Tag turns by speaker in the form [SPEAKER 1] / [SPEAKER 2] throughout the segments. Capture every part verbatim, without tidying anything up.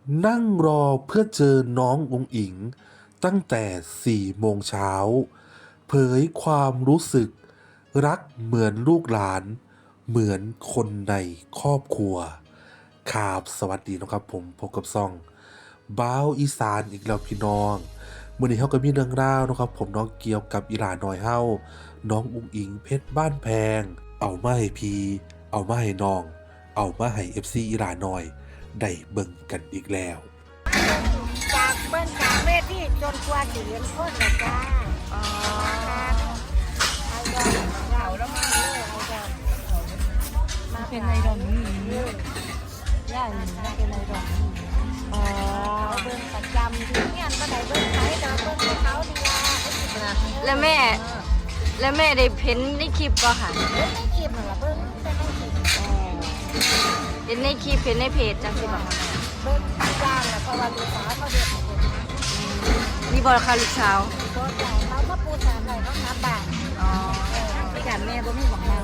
[SPEAKER 1] นั่งรอเพื่อเจอน้องอุ๋งอิ๋งตั้งแต่สี่โมงเช้าเผยความรู้สึกรักเหมือนลูกหลานเหมือนคนในครอบครัวครับสวัสดีนะครับผมพบกับซ่องบ้าวอีสานอีกแล้วพี่น้องมื้อนี้เฮาก็มีเรื่องราวนะครับผมน้องเกี่ยวกับอีหลาน้อยเฮาน้องอุ๋งอิ๋งเพชรบ้านแพงเอามาให้พี่เอามาให้น้องเอามาให้ เอฟ ซี อีหลาน้อยได้เบิ่งกันอีกแล้ว
[SPEAKER 2] จากเบิ้งจากเวทีจนกว่าสิเห็นคนละจ้าอ๋อเอาดอกเราแล้วมาเลยเอาดอกมาเป็นไอดอลนี่ย่าหนึ่งเป็นไอดอลนี่อ๋อเบิ้งประจำที่เนี่ยก็ได้เบิ้งไทยดอกเบิ้งเขาดีละ
[SPEAKER 3] แล้วแม่แล้วแม่ได้เพ้นในคลิปป่ะค่ะ
[SPEAKER 2] เบิ้งในคลิปเหรอเบิ้งแต่ในคลิป
[SPEAKER 3] เห็นในคลิปเห็นในเพจจังสิบ่ะ
[SPEAKER 2] เบิ้งจ้างแล้วเพราะว่าลูกสาวเขาเด็ก
[SPEAKER 3] มีบอลคาลูกสาว
[SPEAKER 2] เขาจ่ายเขาก็ปูสามเลยเขานับบาท
[SPEAKER 3] อ๋อ
[SPEAKER 2] ที่การแม่ก็มีหวังเรา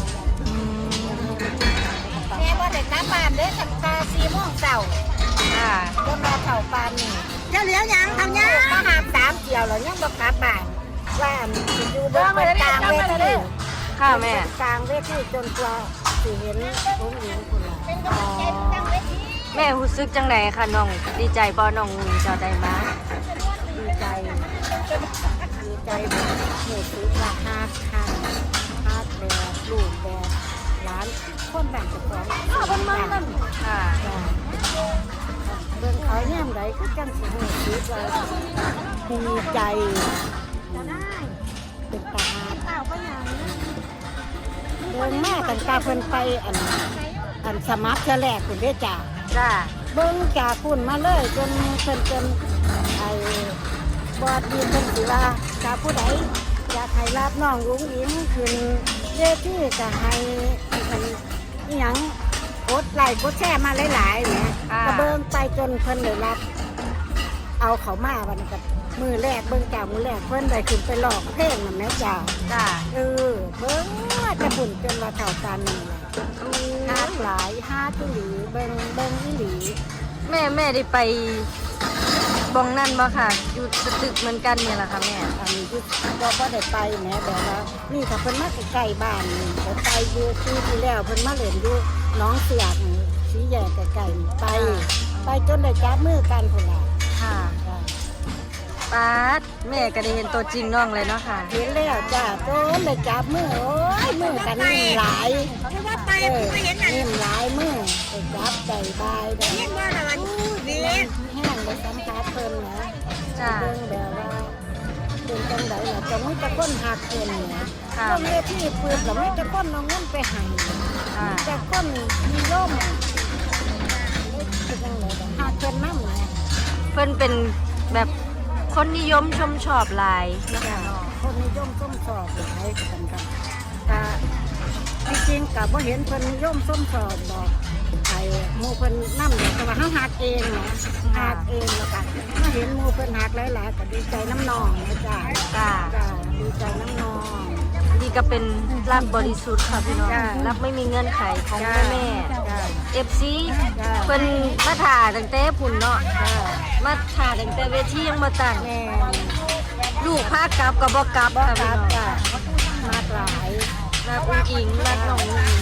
[SPEAKER 2] แม่ว่าเด็กนับบาทเด้สักตาสี่โมงเช้า
[SPEAKER 3] อ่า
[SPEAKER 2] ก็มาเข่าปานนี่เจ้าเหลียวยังทำยังมาหาสามเกี่ยวแล้วยังบอกกลับบ้านว่าอยู่เบื้องบนกลางเวที
[SPEAKER 3] ค่ะแม่
[SPEAKER 2] กลางเวทีจนกว่าสิเห็นผมหญิงคนละ
[SPEAKER 3] อ๋อแม่รู้สึกจังไหนคะน้องดีใจบ่น้องเจ้าได้มา
[SPEAKER 2] ดีใจดีใจแบบเหตุซื้อว่าฮาร์ดฮาร์ดฮาร์ดแบบลูกแบบร้านคนแบบจะฟ้องข้าวมันมัน
[SPEAKER 3] ค่ะ
[SPEAKER 2] เบื้องเขาแย้มไหนก็จังสิเหตุซื้อว่าดีใจเป็นตาฮาร์ดเดินแม่ตั้งตาเพิ่นไปอันอันสมัครเธอแรกคุณได้จ่า
[SPEAKER 3] จ้า
[SPEAKER 2] เบิ้งจากคุณมาเลยจนเพิ่นจนไอ้บอดดีเพิ่นสิว่าจากผู้ใดอยากให้รับน้องรุ้งอิ๋งขึ้นเวทีก็ให้อันอีหยังกดไลค์กดแชร์มาหลายๆเนี่ยก็เบิ้งไปจนเพิ่นได้รับเอาเขามาวันนี้ก็มือแรกเบิ้งจากมือแรกเพิ่นได้ขึ้นไปหลอกเพลงนั่นแหละจ้า
[SPEAKER 3] จ้า
[SPEAKER 2] เออเบิ้งจะบุญจนว่าเท่ากันนี่ฮาหลายฮาทุลีเบิ้งเบิ้งอีหลี
[SPEAKER 3] แม่แม่ได้ไปบองนั่นบ่ค่ะอยู่สตึกเหมือนกันเนี่ยแหละค่ะแม่
[SPEAKER 2] อันนี้ที่บ่บ่ได้ไปแม่แบบว่านี่ถ้าเพิ่นมาใกล้ๆบ้านนี่เพิ่นไปอยู่ที่ที่แล้วเพิ่นมาเล่นอยู่น้องเสือกนี่สีแยกใกล้ๆไปไปจนได้จับมือกันพุ่นล่ะ
[SPEAKER 3] ค่ะป๊าดแม่ก็ได้เห็นตัวจริงน้องเลยเนาะค่ะ
[SPEAKER 2] เห็นแล้วจ้าจนได้จับมือโอ้ยมือกันนิ่มหลายว่าไปไม่เห็นน่ะนิ่มหลายมือได้จับใจบายได้เห็นว่าล่ะมันดีแห้งได้สัมผัสเพิ่นนะจ้าเบิ่งแบบว่าเป็นจังได๋ล่ะจะมีแต่คนหักเพิ่นนะค่ะเมื่อที่เปิดแล้วมีแต่คนเอาเงินไปให้ค่ะแต่คนมีร่มเป็นจังได๋หักเพิ่นนำนะ
[SPEAKER 3] เพิ่นเป็นแบบคนนิยมชมชอบหลาย
[SPEAKER 2] นะคะคนนิยมชมชอบหลายกันกันแต่จริงๆกับว่าเห็นคนนิยมชมชอบบอกไอ้หมูเพิ่นนั่งแต่ว่าเขาหักเองนะหักเองแล้วกันมาเห็นหมูเพิ่นหักหลายๆก็ดีใจน้ำนองนะจ๊ะจ้าดีใจน้ำนอง
[SPEAKER 3] ดีก็เป็นรักบริสุทธิ์ค่ะพี่น้องรักไม่มีเงื่อนไขของแม่แม่เอฟซีเพิ่นมาถ่าตั้งแต่พุ่นเนาะมาถ่าตั้งแต่เวทียังมาตั้งลูกพากลับกับบ่กลับค่ะพี่น้อง
[SPEAKER 2] มาหลาย
[SPEAKER 3] รักอุ้งอิงรักน้องอุ้งอิง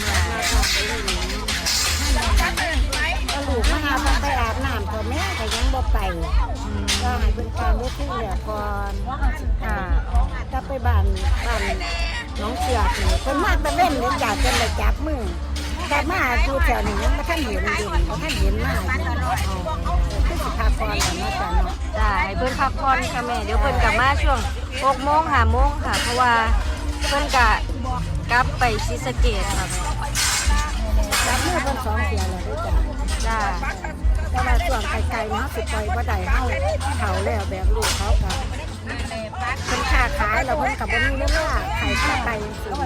[SPEAKER 2] ก็ลูกมาหาเพิ่นไปอาบน้ำพ่อแม่ก็ยังบ่ไปก็ให้เพิ่นตามเวทีเหลือก่อนค่ะถ้าไปบ้านบ้านน้องเสือกนี่เพิ่นมาตะเว้นเลยอยากจะเลยจับมือแต่มาดูแถวนี้ยังบ่ทันเห็นดิบ่ทันเห็นมาคือสิพาก่อนแล้วมาจ้ะเนาะ
[SPEAKER 3] จ้าให้เพิ่นพักผ่อนค่ะแม่เดี๋ยวเพิ่นกลับมาช่วงหกโมงห้าโมงค่ะเพราะว่าเพิ่นก็กลับไปศรีสะเกษค่ะ
[SPEAKER 2] แม่จับมือเพิ่นสองเที่ยแล้วด้วยจ้ะ
[SPEAKER 3] จ้า
[SPEAKER 2] แต่ว่าช่วงไกลๆเนาะสิปล่อยบ่ได้เฮาเฒ่าแล้วแบบลูกเขาก็เพิ่นค้าขายแล้วเพิ่นก็บ่มีเวลาขายข้าวไก่จังซี่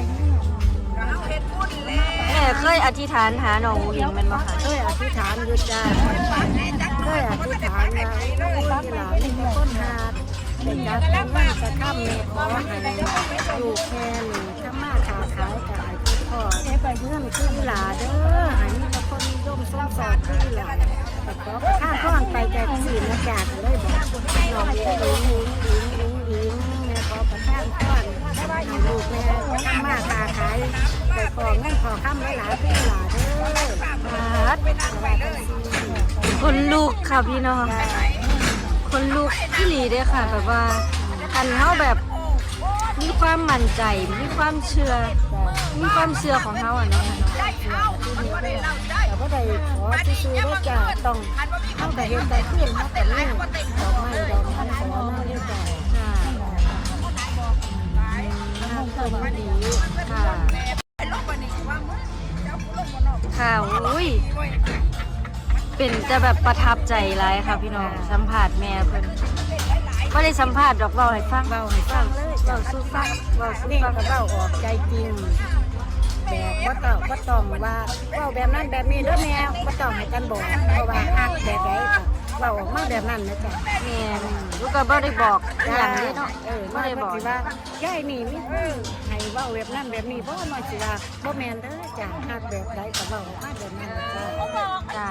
[SPEAKER 3] แม่เคยอธิษฐานหาน้องอุ้งอิงแม่นบ่คะ
[SPEAKER 2] เคยอธิษฐานอยู่จ้าเคยอธิษฐานว่าที่หลานมีคนหาเป็นจัดเป็นว่าจะข้ามแม่ขอให้ลูกแค่นี่ถ้ามาค้าขายก็ให้พ่อเงินคือหลาเด้อให้มีแต่คนนิยมชมชอบคือหลาขอข้าข้องไปจากสี่มาจากเลยบอกน้องหญิงหญิงหญิงหญิงหญิงแม่ขอประทานพรให้ลูกแม่ทำมาค้าขายไปขอเงินขอคำหลายๆพี่หลาเด้อ
[SPEAKER 3] ฮัดคนลูกค่ะพี่น้องคนลูกที่หลีเด้อค่ะแบบว่าคันเฮาแบบมีความมั่นใจมีความเชื่อมีความเชื่อของเฮาอ่ะเนาะ
[SPEAKER 2] แต่ว่าใดขอซื้อได้จ้ะต้องเข้าแต่เห็นแต่ขึ้นมาแต่นี่ดอกไม้ดอกไม้ขอมาได้จ้ะ
[SPEAKER 3] จ้าน่าเพิ่นดีค่ะค่ะอุ้ยเป็นจะแบบประทับใจหลายค่ะพี่น้องสัมผัสแม่เพิ่นบ่ได้สัมภาษณ์ดอกเว้าให้ฟัง
[SPEAKER 2] เบาให้ฟังเลยเบาสู้ฟังเบาสู้ฟังก็เบาออกใจจริงแบบว่าต้องว่าต้องว่าเบาแบบนั้นแบบนี้เด้อแม่ว่าต้องให้กันบอกเพราะว่าฮักแบบไหนก็เบาออกมาแบบนั้นนะจ๊ะ
[SPEAKER 3] แม่ลูกก็บ่ได้บอกอหย่างนี้เนาะ
[SPEAKER 2] เออ
[SPEAKER 3] บ่
[SPEAKER 2] ว่า
[SPEAKER 3] ได้
[SPEAKER 2] ได้
[SPEAKER 3] บบ อ
[SPEAKER 2] อก กว่ายายนี่มีคนให้เบาแบบนั้นแบบนี้เพราะว่าน้อยสิว่าบ่แม่นเด้อจ้ะฮักแบบใดก็เบาออกมาแบบนั้นนะจ๊ะ
[SPEAKER 3] จ้า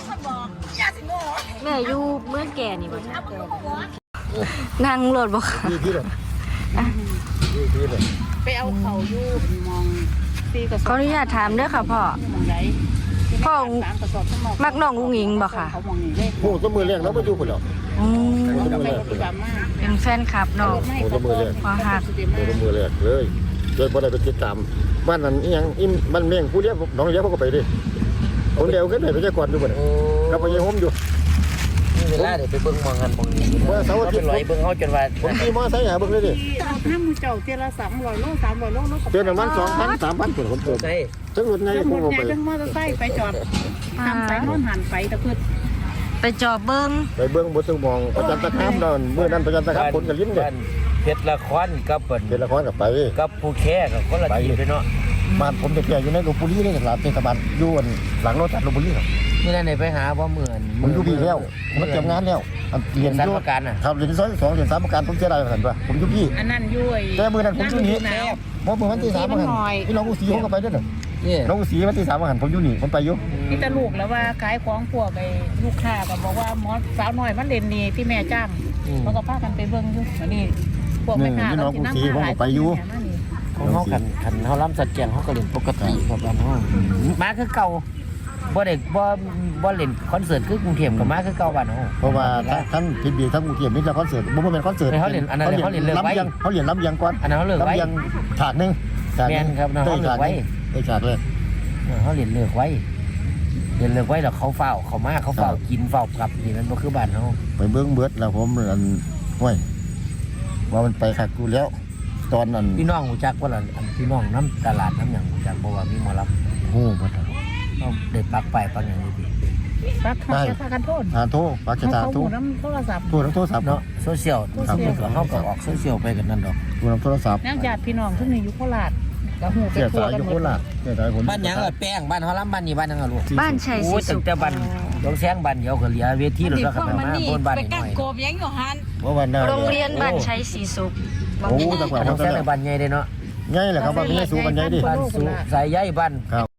[SPEAKER 3] แม่อยู่เมืองแก่นี่บ่จ้ะนั่งรถบ่ค่ะ
[SPEAKER 4] ที่ที่เลยที่ที่เลย
[SPEAKER 5] ไปเอาเขาอยู่มองปีกระส
[SPEAKER 3] ขอ
[SPEAKER 5] อบ
[SPEAKER 3] อนุญาตถามเด้อค่ะพ่อ
[SPEAKER 5] มองไหน
[SPEAKER 3] พ่อ
[SPEAKER 5] สามกระสอบทั้งหมด
[SPEAKER 3] มักน้องอุ้งอิงบ่ค่ะ
[SPEAKER 5] เขามองนี่เลข
[SPEAKER 4] โอ้ตัวมือแรงแล้วมาอยู่คนเดียว
[SPEAKER 3] อืม
[SPEAKER 4] โอ้ตัวมือ
[SPEAKER 5] ไป
[SPEAKER 4] แรง
[SPEAKER 5] รถประจำมาก
[SPEAKER 3] เป็นแฟนคลับน้อง
[SPEAKER 4] โอ้ตัวมือแรง
[SPEAKER 3] พอหัก
[SPEAKER 4] โอ้ตัวมือแรงเลยเลยพอได้ไปติดตามบ้านนั้นอีหยังอิมบ้านเมี่ยงผู้เลี้ยงน้องเลี้ยงเขาก็ไปดิคนเดียวขึ้นไปไปเจ้าก่อนดูบ่เนี่ยกับไปยังโฮมอยู่
[SPEAKER 6] นี่เวลาเดี๋ยวไปเบิ่งมองกันมองนี้
[SPEAKER 4] ว่าเสาร์อาทิ
[SPEAKER 6] เป็
[SPEAKER 4] ต
[SPEAKER 6] น
[SPEAKER 4] ย์
[SPEAKER 6] ร้อยเบิ่งเขาจนว่า
[SPEAKER 4] ผมขี่มอไซค์หาเบิ่งเลยดิ
[SPEAKER 5] เอาห้ามเจ้าเจละสามร้อยโลสามร้อยโลโล
[SPEAKER 4] เตือนประมาณสองพันสามพันคนผมเติม
[SPEAKER 6] ใช่
[SPEAKER 4] จังหวัดไง
[SPEAKER 5] ทั้ง
[SPEAKER 4] ผ
[SPEAKER 5] หม
[SPEAKER 4] ม
[SPEAKER 5] ด
[SPEAKER 4] เอา
[SPEAKER 5] ให
[SPEAKER 4] ไป
[SPEAKER 5] ญ่ทั้งมอเตอร์ไซค์ไปจอดทำสายโน่นหันไปตะพืช
[SPEAKER 3] ไปจอบเบิ่ง
[SPEAKER 4] ไปเบิ่งบนสมองประจันตคามนั่นเมื่อนั้นประจันตคามคนกับลิ้นเนี่ย
[SPEAKER 6] บ้านเพชรละครกับเปิ่น
[SPEAKER 4] เป็นละครกับไป
[SPEAKER 6] กับผู้แค่กับคนละทีไปเนาะ
[SPEAKER 4] บ้านผมจะแก่อยู่ในลพบุรีนี่หลังเทศบาลอยู่หลังรถจัดลพบุรีครับ
[SPEAKER 6] นี่นั่นไปหาบ่เหมือน
[SPEAKER 4] ผมอยู่พี่แล้วผมเตรียมงานแล้วเรียน
[SPEAKER 6] สาร
[SPEAKER 4] อยู่
[SPEAKER 6] ประกันน่ะ
[SPEAKER 4] ครับเรียนที่ซอยสองเรียนสามประการผมเสียดายเหมือนกันว่าผมอยู่พี่
[SPEAKER 5] อันนั้นยุ้ย
[SPEAKER 4] แต่มือนั้นผมอยู่นี่
[SPEAKER 5] แล้ว
[SPEAKER 4] เพราะมือวันที่สามประกันพี่น้องอุสีผมก็ไปด้วยเนอะ
[SPEAKER 6] นี่
[SPEAKER 4] น้องอุสีวันที่สามประกันผมอยู่นี่ผมไปอยู่
[SPEAKER 5] นี่ตะลูกแล้วว่าขายของพวกไอ้ลูกค้าก็บอกว่าหมอสาวน้อยมันเล่นนี่ที่แม่จ้างเขาก็พากันไปเบิ่งอยู่อันนี้พวกแม่ค้าเขาสินำมาหลาย
[SPEAKER 6] ของเขาขันขันเขาล้ำสัดแจงเขาก็เล่นปกติครับบ้านเขามาคือเก่าบ่ได้บ่บ่เล่นคอนเสิร์ตคือกรุงเทพกับมาคือเก่าบ้านเขา
[SPEAKER 4] เพราะว่าท่านพิบีทั้งกรุงเทพนี่จะคอนเสิร์ตบ่แม่นคอนเสิร์ต
[SPEAKER 6] เขาเล่นอันนั้นเขาเล่นเลิกไว้
[SPEAKER 4] ลำยังเขาเรียนลำยังก่อน
[SPEAKER 6] อันนั้นเขาเลิกไว้
[SPEAKER 4] ลำยังฉากหนึงฉากหนึง
[SPEAKER 6] แม่นครับเขาเลิกไว้
[SPEAKER 4] ได้ฉากเลย
[SPEAKER 6] เขาเล่นเลิกไว้เล่นเลิกไว้แล้วเขาเฝ้าเขามาเขาเฝ้ากินเฝ้ากลับนี่มันบ่คือบ้านเขา
[SPEAKER 4] ไปเบิ้งเบิดแล้วผมอันห้วยว่ามันไปคักกูแล้ว ตอนนั้น
[SPEAKER 6] พี่น้องหูจักว่าล่ะอันพี่น้องน้ำตลาดน้ำหยังหูจักบ่ว่ามีหมอลำ
[SPEAKER 4] โอ้บ่ทัน
[SPEAKER 6] เขาได้ปักไปปักอย่างนี้ดิ
[SPEAKER 5] ปักเขาจะพากันโทษ
[SPEAKER 4] อ่าโทรปากจะ
[SPEAKER 5] เขา
[SPEAKER 4] ตา
[SPEAKER 5] เขา
[SPEAKER 4] โทร
[SPEAKER 5] หูน้ำโทรศัพท์
[SPEAKER 4] โทรทั้งโทรศัพท์
[SPEAKER 6] เนาะ
[SPEAKER 4] เนาะ
[SPEAKER 6] โซเชียล
[SPEAKER 4] ครับ
[SPEAKER 6] เขาก็ออกโซเชียลไปกันนั่นดอก
[SPEAKER 4] โทรทั้งโทรศัพท์
[SPEAKER 5] นักญาติพี่น้องทุกนี่อยู่โคราชก็หูไป
[SPEAKER 4] เสีย
[SPEAKER 5] ทั่ว
[SPEAKER 4] สาย
[SPEAKER 5] กัน
[SPEAKER 4] อยู่
[SPEAKER 5] หม
[SPEAKER 4] โค
[SPEAKER 5] ด
[SPEAKER 4] ราชเสียสายผม
[SPEAKER 6] บ้านหยังล่ะแป้งบ้านเฮาลำบ้านนี้บ้านหยังล่ะลูก
[SPEAKER 3] บ้านชัยศรี
[SPEAKER 6] โอ้ย
[SPEAKER 3] สุ
[SPEAKER 6] ตั้ง
[SPEAKER 3] ข
[SPEAKER 6] แต่บ้านดงแซงบ้านเดียวก็เหลือเวทีรถแล้วก็มาบนบ้าน
[SPEAKER 5] ไป
[SPEAKER 6] นี่ห
[SPEAKER 5] กั
[SPEAKER 6] น่
[SPEAKER 5] ก
[SPEAKER 6] อย
[SPEAKER 5] โกบยังอยู่หัน
[SPEAKER 4] ว่าวันนั้น
[SPEAKER 3] โรงเรียนบ้านชัยศรีสุข
[SPEAKER 4] โอ้ตะกว่า
[SPEAKER 6] ด
[SPEAKER 4] เขา
[SPEAKER 6] งแซ
[SPEAKER 4] ตะ
[SPEAKER 6] งใน
[SPEAKER 4] แล้ว
[SPEAKER 6] บ้านใหญ่เด้เนาะ
[SPEAKER 4] ง่ายแหละครับว่าไม่ให้สู้กันง่ายดิ
[SPEAKER 6] บ้านสุสายใยบ้าน
[SPEAKER 4] ครับ